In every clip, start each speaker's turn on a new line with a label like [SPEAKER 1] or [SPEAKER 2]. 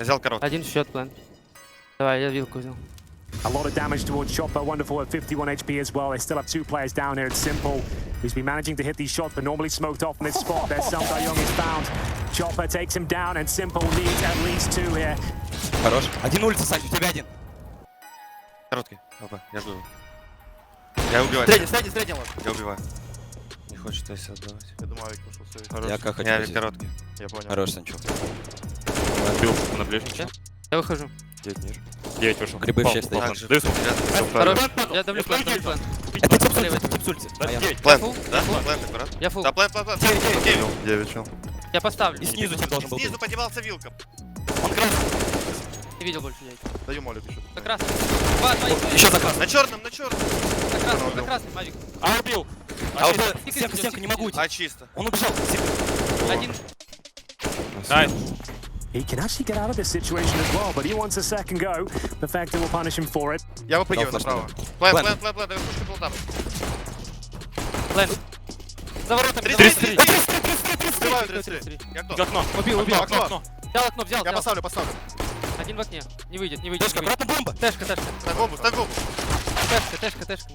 [SPEAKER 1] взял короткий.
[SPEAKER 2] Один счет, план. Давай, я вилку взял.
[SPEAKER 3] A lot of damage towards Chopper, wonderful at 51 HP as well. They still have two players down here. It's Simple, who's been managing to hit these shots, but normally smoked off in this spot. There's Sam Young is found. Chopper takes him down, and Simple needs at least two here.
[SPEAKER 4] Хорош. Один улица, Сань, у тебя один.
[SPEAKER 1] Короткий. Опа, я жду. Я убиваю.
[SPEAKER 4] Средний вот.
[SPEAKER 1] Я убиваю. Не хочет Эйса отдавать.
[SPEAKER 5] Я думаю, Авик пошел сейв.
[SPEAKER 4] Я как хочу.
[SPEAKER 1] Я короткий.
[SPEAKER 5] Я понял.
[SPEAKER 4] Хорош, Санчо.
[SPEAKER 6] Отбил на ближний.
[SPEAKER 2] Я выхожу.
[SPEAKER 6] 9 ниже. 9 вышел.
[SPEAKER 4] Грибы в 6 стоят.
[SPEAKER 1] Так же.
[SPEAKER 6] Даю смог.
[SPEAKER 2] Хорош. Я давлю план, давлю план.
[SPEAKER 4] Это тип с улицы, тип с улицы.
[SPEAKER 6] Да, 9.
[SPEAKER 1] Плэн,
[SPEAKER 2] Full?
[SPEAKER 1] да?
[SPEAKER 2] Full?
[SPEAKER 1] Плэн, аккурат.
[SPEAKER 2] Я фул.
[SPEAKER 1] Да, плэн.
[SPEAKER 5] 9 чел.
[SPEAKER 2] Я поставлю.
[SPEAKER 4] И снизу тип должен был
[SPEAKER 1] Снизу
[SPEAKER 4] быть.
[SPEAKER 1] поднимался вилком.
[SPEAKER 4] Он красный.
[SPEAKER 2] Не видел больше яйца.
[SPEAKER 5] Даю молик еще.
[SPEAKER 2] За красным. Два,
[SPEAKER 4] Еще за красный.
[SPEAKER 1] На черном, на черном.
[SPEAKER 2] за красным, Мавик.
[SPEAKER 6] А, убил.
[SPEAKER 4] А вот стенка, не могу уйти.
[SPEAKER 1] А чисто.
[SPEAKER 4] Он убежал.
[SPEAKER 2] Один.
[SPEAKER 6] Найс.
[SPEAKER 3] He can actually get out of this situation as well, but he wants a second go. Perfecto will punish him for it.
[SPEAKER 5] Я выпрыгиваю
[SPEAKER 4] Дал
[SPEAKER 5] направо.
[SPEAKER 1] Плэн,
[SPEAKER 4] Плэн.
[SPEAKER 1] плэн. Я пушу плентап.
[SPEAKER 2] План. За воротами.
[SPEAKER 6] 33.
[SPEAKER 5] Убиваю 33.
[SPEAKER 1] Я кто?
[SPEAKER 6] Окно.
[SPEAKER 2] Убил.
[SPEAKER 5] Окно.
[SPEAKER 2] Взял окно, взял.
[SPEAKER 5] Я поставлю.
[SPEAKER 2] Один в окне. Не выйдет.
[SPEAKER 4] Тешка, обратно бомба.
[SPEAKER 2] Тэшка.
[SPEAKER 1] Ставь бомбу.
[SPEAKER 2] Тэшка. Не успей.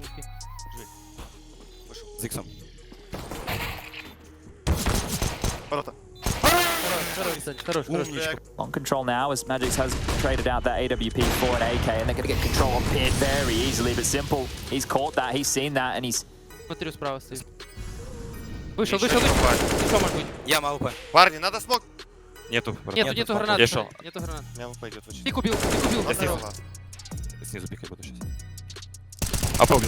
[SPEAKER 4] С иксом.
[SPEAKER 5] Ворота.
[SPEAKER 2] Хорош.
[SPEAKER 7] On control now as Magix has traded out that AWP for an AK and they're going to get control on Pin very easily, but Simple, he's caught that, he's seen that and he's...
[SPEAKER 2] Смотрю, справа стоит. Вышел.
[SPEAKER 1] Еще не упали.
[SPEAKER 2] Еще может быть.
[SPEAKER 4] Я АВП.
[SPEAKER 1] Парни, надо смог.
[SPEAKER 6] Нету.
[SPEAKER 2] Нету гранаты.
[SPEAKER 6] Я шел.
[SPEAKER 2] Нету гранат.
[SPEAKER 1] Меня пойдет очень.
[SPEAKER 2] Тик убил.
[SPEAKER 1] Здорово.
[SPEAKER 6] Снизу пикать буду сейчас. А, побил.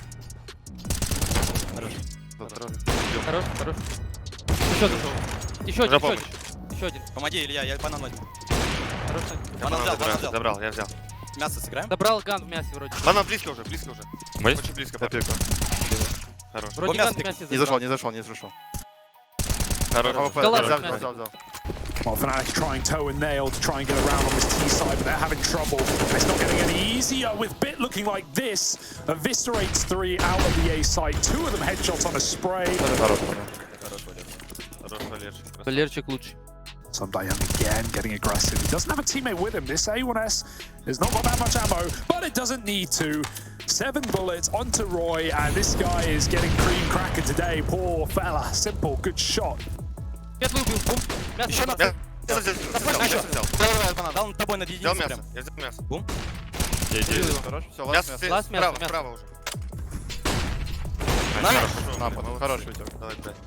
[SPEAKER 2] Хорош. Еще зашел. Еще
[SPEAKER 1] Уже
[SPEAKER 2] один.
[SPEAKER 1] помощь.
[SPEAKER 2] Еще один.
[SPEAKER 4] Помоги, Илья, я банан возьму.
[SPEAKER 2] Хорош.
[SPEAKER 4] Банан взял.
[SPEAKER 1] Забрал, я взял.
[SPEAKER 4] Мясо сыграем?
[SPEAKER 2] Добрал ган в мясе вроде.
[SPEAKER 1] Банан близко уже.
[SPEAKER 6] Есть?
[SPEAKER 1] Очень близко.
[SPEAKER 5] Я пикаю.
[SPEAKER 1] Хорош.
[SPEAKER 2] Вроде
[SPEAKER 4] мясо
[SPEAKER 2] ган в мясе
[SPEAKER 5] Не
[SPEAKER 2] забрал.
[SPEAKER 5] зашел.
[SPEAKER 1] Хорош.
[SPEAKER 5] АВП.
[SPEAKER 2] Да ладно,
[SPEAKER 5] Взял.
[SPEAKER 3] Well, Fnatic trying toe and nail to try and get around on this T side, but they're having trouble. It's not getting any easier with Bit looking like this. Eviscerates 3 out of the A side. 2 of them headshots on a spray.
[SPEAKER 1] Хорош, Валерчик.
[SPEAKER 2] Валерчик лучше.
[SPEAKER 3] Some Young again getting aggressive. He doesn't have a teammate with him. This A1S has not got that much ammo, but it doesn't need to. 7 bullets onto Roy, and this guy is getting cream cracker today. Poor fella. Simple, good shot.
[SPEAKER 2] Светлый убил. Бум. Мясо.
[SPEAKER 4] Еще
[SPEAKER 2] забрал.
[SPEAKER 4] надо.
[SPEAKER 1] Взял.
[SPEAKER 4] Давай, банан. Дал тобой над
[SPEAKER 1] Взял
[SPEAKER 4] единицей
[SPEAKER 1] мясо.
[SPEAKER 4] прям.
[SPEAKER 1] Я взял мясо.
[SPEAKER 6] Я иду.
[SPEAKER 5] Хорош. Все,
[SPEAKER 1] Мясо,
[SPEAKER 5] ласт мясо.
[SPEAKER 2] Ласт мясо, мясо.
[SPEAKER 1] Справа уже.
[SPEAKER 5] Напад. Хорош, Витек.
[SPEAKER 1] Давай, блядь.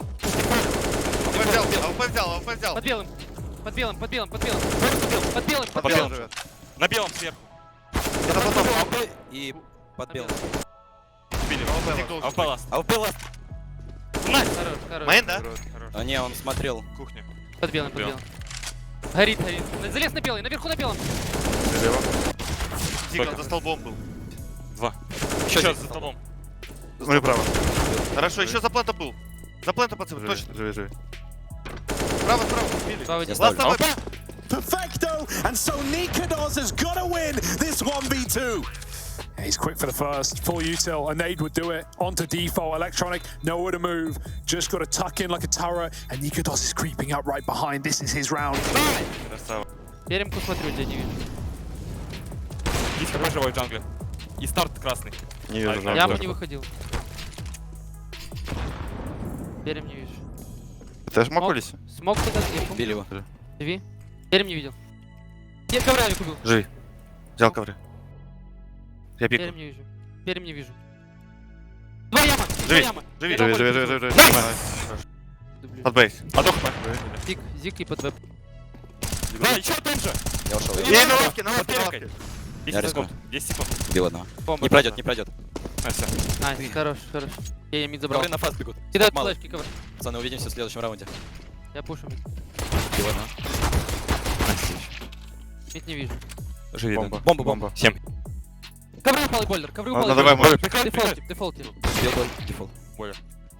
[SPEAKER 1] АВП взял.
[SPEAKER 2] Под белым. Под белым. Под белым.
[SPEAKER 5] Живет.
[SPEAKER 6] На белом сверху.
[SPEAKER 4] Это потом АВП и под белым.
[SPEAKER 6] Убили.
[SPEAKER 1] Тик
[SPEAKER 6] А упала.
[SPEAKER 4] АВП ласт.
[SPEAKER 2] Хорош.
[SPEAKER 1] Мейн, да?
[SPEAKER 4] А не, он смотрел.
[SPEAKER 6] Кухня.
[SPEAKER 2] Под белым. Горит. Залез на белый. Наверху на белом.
[SPEAKER 1] Тигл за столбом был.
[SPEAKER 6] 2.
[SPEAKER 4] Еще
[SPEAKER 6] Еще
[SPEAKER 4] один.
[SPEAKER 6] за столбом.
[SPEAKER 5] Смотри право.
[SPEAKER 1] Хорошо, еще за плента был. За плента, пацаны, точно.
[SPEAKER 5] Живи.
[SPEAKER 1] Справа, били.
[SPEAKER 2] Справа
[SPEAKER 4] Я
[SPEAKER 2] один.
[SPEAKER 4] ставлю.
[SPEAKER 1] Ласт
[SPEAKER 3] Perfecto! And so Nikados has got to win this 1v2. Yeah, he's quick for the first. Full util. A nade would do it. Onto default. Electronic, nowhere to move. Just got to tuck in like a turret. And Nikados is creeping up right behind. This is his round.
[SPEAKER 1] Красава.
[SPEAKER 2] Перемку смотрю, тебя не вижу.
[SPEAKER 6] Есть такой живой в джангле. И старт красный.
[SPEAKER 5] Не вижу
[SPEAKER 6] А,
[SPEAKER 2] Яму
[SPEAKER 5] жангла.
[SPEAKER 2] не выходил. Перем не вижу.
[SPEAKER 5] Ты ж макулись?
[SPEAKER 2] Смог туда сверху.
[SPEAKER 4] Били его.
[SPEAKER 2] Живи. Перем не видел. Нет, ковра я убил.
[SPEAKER 1] Живи. Взял ковры. Я пику.
[SPEAKER 2] Перем не вижу. Перем не вижу. Два яма.
[SPEAKER 1] Живи.
[SPEAKER 2] Два яма.
[SPEAKER 1] Живи.
[SPEAKER 5] Живи.
[SPEAKER 2] Дублю.
[SPEAKER 1] Под бейс.
[SPEAKER 6] Адох.
[SPEAKER 2] Зик, зик и под веб.
[SPEAKER 6] Да, еще там же.
[SPEAKER 4] Я ушел.
[SPEAKER 5] Ей на лавке,
[SPEAKER 6] Под перекой. 10
[SPEAKER 4] рискну.
[SPEAKER 6] секунд. 10 секунд.
[SPEAKER 4] Убил одного.
[SPEAKER 2] Бомба.
[SPEAKER 4] Не пройдет.
[SPEAKER 6] А, все.
[SPEAKER 2] Найс, хорош. Я мид забрал.
[SPEAKER 4] Ковры на фаст бегут.
[SPEAKER 2] Кидают
[SPEAKER 4] Мало.
[SPEAKER 2] флешки, ковр.
[SPEAKER 4] Пацаны, увидимся в следующем раунде.
[SPEAKER 2] Я пушу мид.
[SPEAKER 4] Убил одного.
[SPEAKER 2] Мид не вижу.
[SPEAKER 6] Живи.
[SPEAKER 5] Бомба.
[SPEAKER 4] Бомба.
[SPEAKER 6] 7.
[SPEAKER 2] Ковры упал и бойлер. Ковры упал и
[SPEAKER 5] Давай,
[SPEAKER 2] бойлер.
[SPEAKER 5] молик.
[SPEAKER 2] Дефолтил.
[SPEAKER 4] Убил бой. Дефолт.
[SPEAKER 6] Бойлер.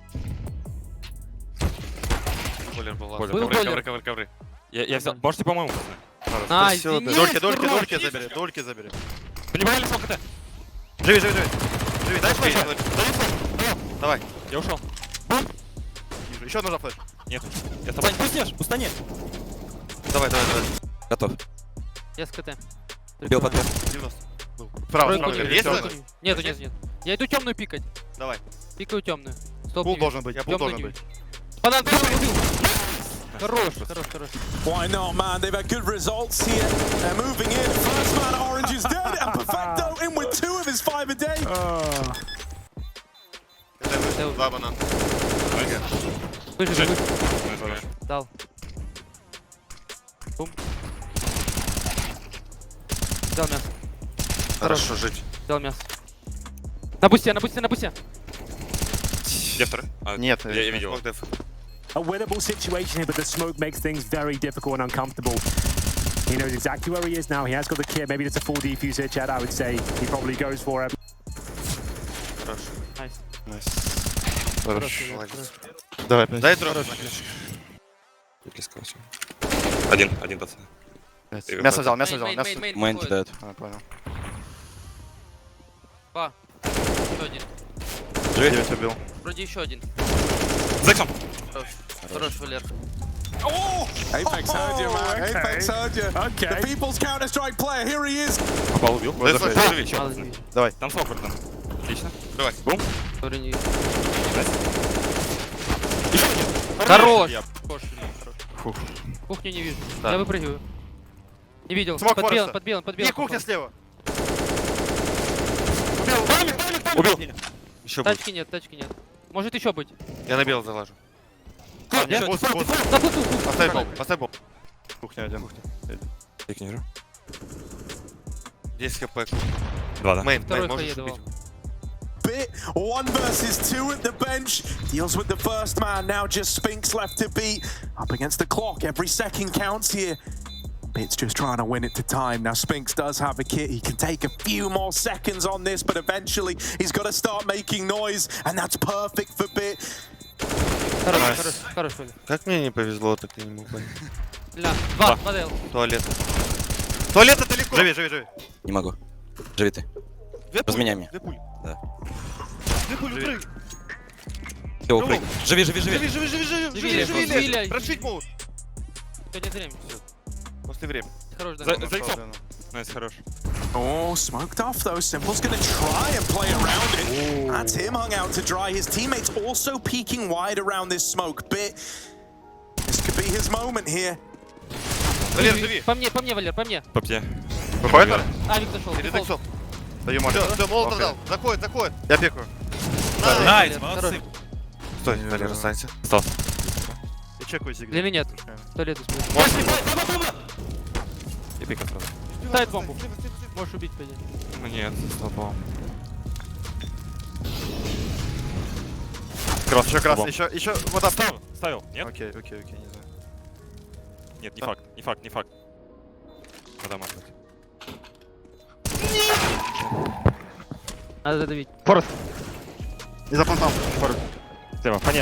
[SPEAKER 1] Бойлер был.
[SPEAKER 6] Бойлер.
[SPEAKER 2] Был бойлер.
[SPEAKER 1] Ковры.
[SPEAKER 6] Я взял. Можете, по-моему, пацаны?
[SPEAKER 2] Найс.
[SPEAKER 5] Всё,
[SPEAKER 2] нет,
[SPEAKER 5] Дольки
[SPEAKER 2] нет.
[SPEAKER 5] забери. Дольки забери.
[SPEAKER 6] Понимали, сколько ты?
[SPEAKER 5] Живи.
[SPEAKER 1] Дай флеш. Давай.
[SPEAKER 6] Я ушел.
[SPEAKER 5] Вижу. Еще нужна флеш.
[SPEAKER 6] Нет. Я с тобой.
[SPEAKER 4] Сань, пуснешь, устани.
[SPEAKER 1] Давай.
[SPEAKER 4] Готов.
[SPEAKER 2] Я с КТ.
[SPEAKER 4] Убил под Б.
[SPEAKER 5] 90. Был. Справа,
[SPEAKER 2] Тройку
[SPEAKER 5] справа.
[SPEAKER 2] не
[SPEAKER 5] Есть
[SPEAKER 2] вижу.
[SPEAKER 5] зеленый?
[SPEAKER 2] Нету, нет. Я иду темную пикать.
[SPEAKER 5] Давай.
[SPEAKER 2] Пикаю темную. Стоп,
[SPEAKER 5] Пул
[SPEAKER 2] не
[SPEAKER 5] должен быть,
[SPEAKER 2] вижу.
[SPEAKER 5] пул
[SPEAKER 2] Тёмную
[SPEAKER 5] должен
[SPEAKER 2] не
[SPEAKER 5] быть.
[SPEAKER 2] вижу. Банан, ты убил. Хорош, хорош, хорош.
[SPEAKER 3] Why not, man? They've had good results here. They're moving in. First man, Orange is dead, and Perfecto in with 2 of his 5 a day.
[SPEAKER 5] Два банан.
[SPEAKER 2] Выжи.
[SPEAKER 6] Найс.
[SPEAKER 2] Дал. Бум. Дал мясо.
[SPEAKER 1] Хорошо жить.
[SPEAKER 2] Дал мясо. На бусте.
[SPEAKER 6] Где второй? А,
[SPEAKER 5] Нет,
[SPEAKER 6] я видел.
[SPEAKER 5] смог деф.
[SPEAKER 8] A winnable situation here, but the smoke makes things very difficult and uncomfortable. He knows exactly where he is now. He has got the kit. Maybe it's a full defuse here, Chad. I would say he probably goes for it.
[SPEAKER 2] Найс.
[SPEAKER 5] Найс.
[SPEAKER 2] Хорош.
[SPEAKER 5] Давай, опять.
[SPEAKER 1] Дай дроп.
[SPEAKER 6] Один пацан.
[SPEAKER 5] Мясо взял, мясо взял, мясо.
[SPEAKER 4] Мейн кидает.
[SPEAKER 5] А, понял.
[SPEAKER 2] Два. Еще один.
[SPEAKER 5] Живи, 9 убил.
[SPEAKER 2] Вроде еще один.
[SPEAKER 6] Зексом!
[SPEAKER 2] Хорош, Валер.
[SPEAKER 3] Apex heard you, man. Apex heard you.
[SPEAKER 8] Okay.
[SPEAKER 3] The people's Counter-Strike player, here he is.
[SPEAKER 6] Попал, убил.
[SPEAKER 5] Дай
[SPEAKER 6] Живи,
[SPEAKER 5] флеш.
[SPEAKER 6] живи,
[SPEAKER 2] Мало
[SPEAKER 6] еще.
[SPEAKER 2] не вижу.
[SPEAKER 5] Давай.
[SPEAKER 6] Там смог там. Отлично.
[SPEAKER 5] Давай.
[SPEAKER 6] Бум.
[SPEAKER 2] Вроде не вижу.
[SPEAKER 6] Еще один.
[SPEAKER 2] Хорош.
[SPEAKER 6] Я-
[SPEAKER 2] Хорош.
[SPEAKER 6] Фух.
[SPEAKER 2] Кухню не вижу.
[SPEAKER 5] Да.
[SPEAKER 2] Я выпрыгиваю. Не видел.
[SPEAKER 5] Смог
[SPEAKER 2] Под белым,
[SPEAKER 5] Фореста.
[SPEAKER 2] под белым.
[SPEAKER 5] Не, кухня слева.
[SPEAKER 6] Убил.
[SPEAKER 1] Еще будет.
[SPEAKER 2] Тачки нет. Может еще быть.
[SPEAKER 1] Я на белый залажу.
[SPEAKER 5] Нет, босс.
[SPEAKER 2] На плоту.
[SPEAKER 5] Поставь бомбу, поставь бомбу. Кухня один.
[SPEAKER 6] Я к ней.
[SPEAKER 1] 10 хп.
[SPEAKER 6] Два, да?
[SPEAKER 1] Мейн,
[SPEAKER 2] Второй
[SPEAKER 1] можешь
[SPEAKER 2] хае
[SPEAKER 1] убить.
[SPEAKER 2] давал.
[SPEAKER 3] Bit 1 versus 2 at the bench. Deals with the first man. Now just Spinks left to beat. Up against the clock. Every second counts here. Bit's just trying to win it to time. Now Spinks does have a kit. He can take a few more seconds on this, but eventually he's got to start making noise, and that's perfect for Bit.
[SPEAKER 2] Хорош, Валер.
[SPEAKER 1] Как мне не повезло, так я не мог понять.
[SPEAKER 2] Ля. Два дел.
[SPEAKER 1] Туалет. Туалет далеко.
[SPEAKER 5] Живи.
[SPEAKER 4] Не могу. Живи ты.
[SPEAKER 5] Две пули.
[SPEAKER 4] Разменяй меня.
[SPEAKER 5] Две пули.
[SPEAKER 4] Да.
[SPEAKER 5] Две пули,
[SPEAKER 1] Живи.
[SPEAKER 5] прыгай.
[SPEAKER 4] Все, упрыгни. Живи.
[SPEAKER 2] Живи.
[SPEAKER 5] Прошить могут.
[SPEAKER 2] Сегодня время.
[SPEAKER 5] После времени.
[SPEAKER 2] Хорош, да.
[SPEAKER 6] Зайцом. Найс, хорош.
[SPEAKER 3] Oh, smoked off though. Simple's going to try and play around it. That's him hung out to dry. His teammates also peeking wide around this smoke. Bit. This could be his moment here.
[SPEAKER 5] Валер, живи.
[SPEAKER 2] По мне, Валер, по мне.
[SPEAKER 6] По мне.
[SPEAKER 5] Выходит?
[SPEAKER 2] Авик зашел.
[SPEAKER 5] Перед
[SPEAKER 2] дефолт.
[SPEAKER 5] иксом. Даю молот.
[SPEAKER 1] Все, молотов
[SPEAKER 5] Окей.
[SPEAKER 1] дал. Заходит.
[SPEAKER 5] Я пикаю.
[SPEAKER 2] Найс, молодцы.
[SPEAKER 1] Стой, Валер, останься.
[SPEAKER 6] Остался.
[SPEAKER 5] Я чекаю сигнал.
[SPEAKER 2] Или нет? Туалет успел.
[SPEAKER 6] И пикал сразу.
[SPEAKER 2] Ставит бомбу. Можешь убить, пойди.
[SPEAKER 6] Ну нет, столбом.
[SPEAKER 5] Еще красный, еще вода.
[SPEAKER 6] Ставил. Нет?
[SPEAKER 5] Окей, не знаю.
[SPEAKER 6] Нет, не факт. Вода может быть.
[SPEAKER 2] Надо задавить.
[SPEAKER 5] Не заплантал.
[SPEAKER 6] Слева, фанера.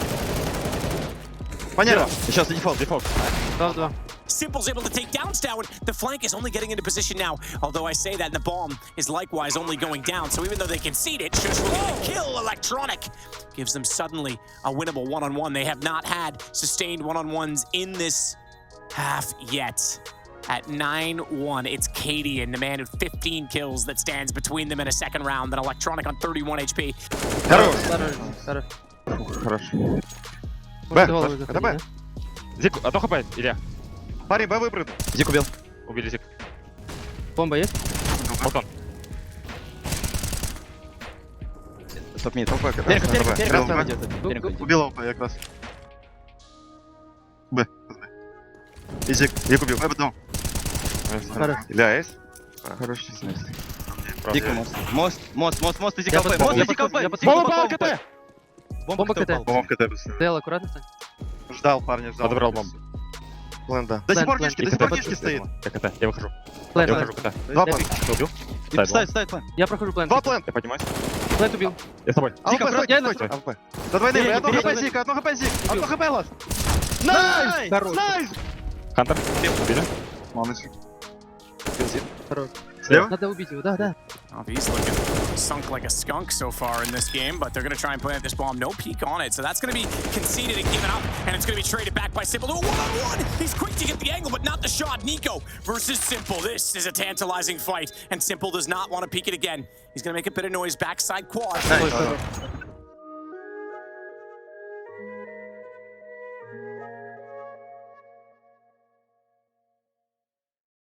[SPEAKER 5] Понятно.
[SPEAKER 6] Сейчас дефолт.
[SPEAKER 2] 2-2.
[SPEAKER 9] Simple's able to take down Stowen. The flank is only getting into position now. Although I say that, the bomb is likewise only going down. So even though they concede it, Shush will get the kill. Electronic gives them suddenly a winnable one-on-one. They have not had sustained one-on-ones in this half yet. At 9-1, it's Cadian, the man with 15 kills that stands between them in a second round. Then Electronic on 31 HP.
[SPEAKER 2] Хорош.
[SPEAKER 6] Хорош.
[SPEAKER 2] Может, голову
[SPEAKER 5] это
[SPEAKER 2] заходи,
[SPEAKER 5] Б.
[SPEAKER 2] да?
[SPEAKER 6] Зик, а то хп, Илья.
[SPEAKER 5] Парень, Б выпрыгнул.
[SPEAKER 4] Зик убил.
[SPEAKER 6] Убили Зик.
[SPEAKER 2] Бомба есть?
[SPEAKER 6] Балкон.
[SPEAKER 4] Топ-мид.
[SPEAKER 9] Перек.
[SPEAKER 5] Убил его я как раз. Б. И Зик убил. Б потом.
[SPEAKER 2] Хорош.
[SPEAKER 5] Илья, есть?
[SPEAKER 4] Хороший снайс.
[SPEAKER 6] Правда.
[SPEAKER 4] Зик мост. Мост, иди
[SPEAKER 2] Я
[SPEAKER 4] КП.
[SPEAKER 2] подсмотрел,
[SPEAKER 4] Мост, иди КП.
[SPEAKER 2] я подсмотрел.
[SPEAKER 4] Бомба КТ.
[SPEAKER 5] Бомба в КТ просто.
[SPEAKER 2] Дел, аккуратно стань.
[SPEAKER 5] Ждал, парня, ждал.
[SPEAKER 6] Подобрал бомбу.
[SPEAKER 5] Ленда.
[SPEAKER 2] До
[SPEAKER 5] До сих пор
[SPEAKER 2] план,
[SPEAKER 5] нишки,
[SPEAKER 2] план.
[SPEAKER 5] до сих пор нишки стоит.
[SPEAKER 6] Я КТ, я выхожу.
[SPEAKER 2] Плент,
[SPEAKER 6] Я
[SPEAKER 2] плент.
[SPEAKER 6] выхожу КТ.
[SPEAKER 5] Два план.
[SPEAKER 6] Ты убил?
[SPEAKER 4] Ставь план.
[SPEAKER 2] Я прохожу плент.
[SPEAKER 5] Два план.
[SPEAKER 6] Я поднимаюсь.
[SPEAKER 2] Плент убил.
[SPEAKER 6] Я с тобой.
[SPEAKER 5] АВП, стойте,
[SPEAKER 2] я
[SPEAKER 5] стойте.
[SPEAKER 2] на-
[SPEAKER 5] АВП. До двойны,
[SPEAKER 2] Передний,
[SPEAKER 5] одно хп
[SPEAKER 2] передний.
[SPEAKER 5] Зик, одно хп Зик. Одно хп лас.
[SPEAKER 2] Найс!
[SPEAKER 5] Найс!
[SPEAKER 6] Хантер. Убили.
[SPEAKER 5] Молодец.
[SPEAKER 2] Хорош.
[SPEAKER 5] Слева?
[SPEAKER 2] Надо убить его, да.
[SPEAKER 9] He's looking sunk like a skunk so far in this game, but they're going to try and plant this bomb. No peek on it, so that's going to be conceded and given up, and it's going to be traded back by Simple to a one-on-one. He's quick to get the angle, but not the shot. Nico versus Simple. This is a tantalizing fight, and Simple does not want to peek it again. He's going to make a bit of noise backside quad.
[SPEAKER 5] Nice.